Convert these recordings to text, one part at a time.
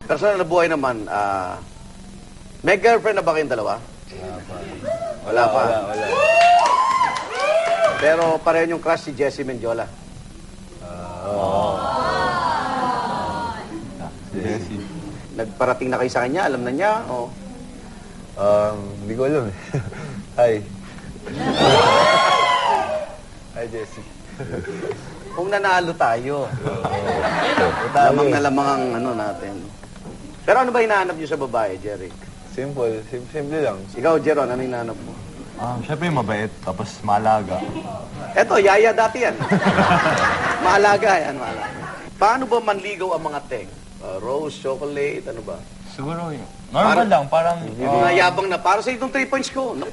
Personal na buhay naman, may girlfriend na ba kayong dalawa? Wala pa. Wala. Pero pareho yung crush si Jessie Mendiola. Jessie. Nagparating na kayo sa kanya, alam na niya, o? Hindi ko alam eh. Hi. Hi, Jessie. Kung nanalo tayo. Lamang na lamang ang ano natin. Pero ano ba hinahanap niyo sa babae, Jerry? Simple. Simple lang. Ikaw, Jeron, ano hinahanap mo? Siyempre mabait, tapos maalaga. Eto, yaya dati yan. Maalaga yan, maalaga. Paano ba manligaw ang mga teng? Rose, chocolate, ano ba? Siguro yun. Normal lang, parang... Yung mga yabang na, para sa itong 3 points ko. No?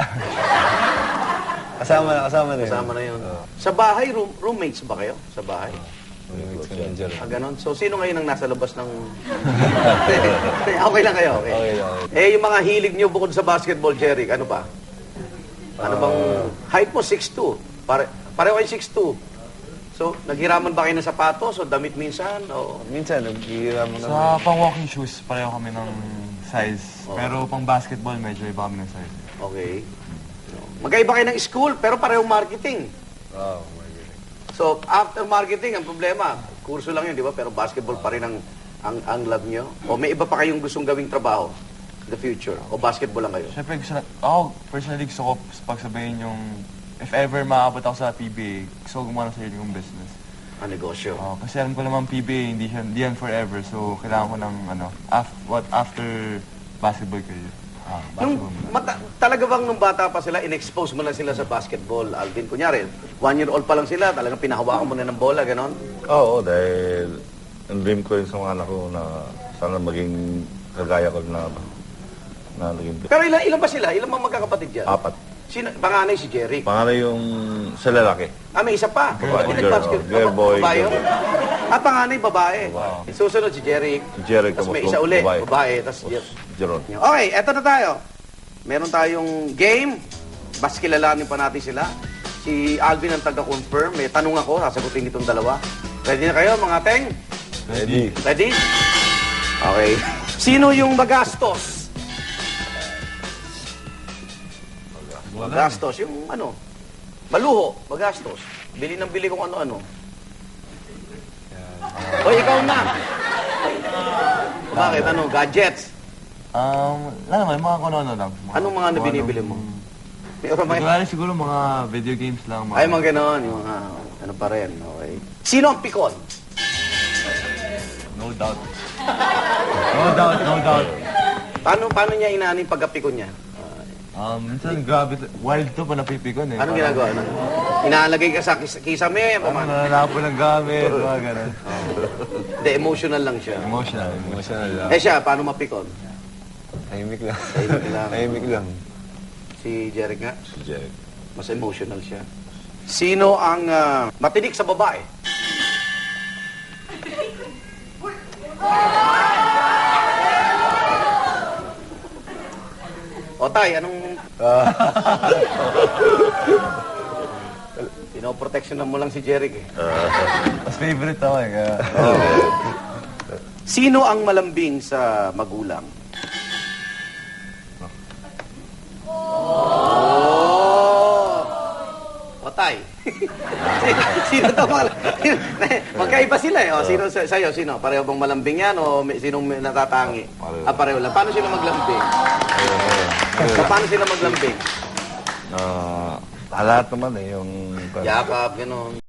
Kasama na yun. Kasama na yun. Sa bahay, roommates ba kayo? Sa bahay? Ganon. So, sino ngayon ang nasa labas ng... Okay lang kayo, okay. Eh, yung mga hilig nyo bukod sa basketball, Jerry, ano ba? Ano bang... Height mo, 6'2". Pareho kayo 6'2". So, naghiraman ba kayo ng sapatos o damit minsan? O... Minsan, naghihiraman Sa pang-walking shoes, pareho kami ng size. Pero pang-basketball, medyo iba kami ng size. Okay. Magkaiba kayo ng school, pero parehong marketing. Oh, my God. So, after marketing, ang problema, kurso lang yun, di ba? Pero basketball pa rin ang love nyo. O may iba pa kayong gustong gawing trabaho in the future? O basketball lang kayo? Siyempre, ako personally gusto ko pagsabihin yung... If ever maabot ako sa PBA, gusto ko gumawa ng sarili kong business. Ang negosyo. Kasi alam ko naman PBA, hindi yan forever. So, kailangan ko ng, after basketball career. Talaga bang nung bata pa sila, in-expose mo na sila sa basketball, Alvin? Kunyari, 1-year-old pa lang sila, talagang pinahawakan mo na ng bola, ganon? Oo, dahil ang dream ko yun sa mga anak ko na sana maging kagaya ko na naging... Pero ilan ba sila? Ilan bang magkakapatid dyan? 4. Sino? Panganay si Jerry. Pangalan yung sa lalaki. May isa pa. Girl, boy. Babae yun? Panganay, babae. Susunod si Jerry. Si Jerry, Tapos may isa uli, babae. Tapos Jeron. Okay, eto na tayo. Meron tayong game. Bas kilalanin pa natin sila. Si Alvin ang taga-confirm. May tanong ako, sasagutin itong dalawa. Ready na kayo, mga teng? Ready. Ready? Okay. Sino yung magastos? Magastos, yung ano? Maluho, magastos. Bili ng bili kung ano-ano. Hoy, ikaw na! Bakit? Ano? Gadgets? Naman, mga kono-ano lang. Anong mga binibili mo? May siguro mga video games lang. Ay, mga ganon. Yung mga ano pa rin. Okay. Sino ang pikon? No doubt. No doubt. Paano niya inaanin pagkapikon niya? Minsan grabe, wild to pa napipikon eh. Anong ginagawa? Inaalagay ka sa kisame? Nananapo ng gamit, mga ganun. Hindi, emotional lang siya. Emotional lang. Eh siya, paano mapikon? Tahimik lang. Tahimik lang. lang. Si Jeric nga? Si Jerry. Mas emotional siya. Sino ang matinik sa babae? O tay, anong... Pinoproteksyonan mo lang si Jeric eh. Mas favorite ako eh. Sino ang malambing sa magulang? O tay. Sino to magkaiba sila eh. O, sino sa'yo? Sino? Pareho bang malambing yan o sinong natatangi? Pareho lang. Paano sila maglambing? Paano sila maglambing? Lahat naman eh, yung... Yakap, gano'n.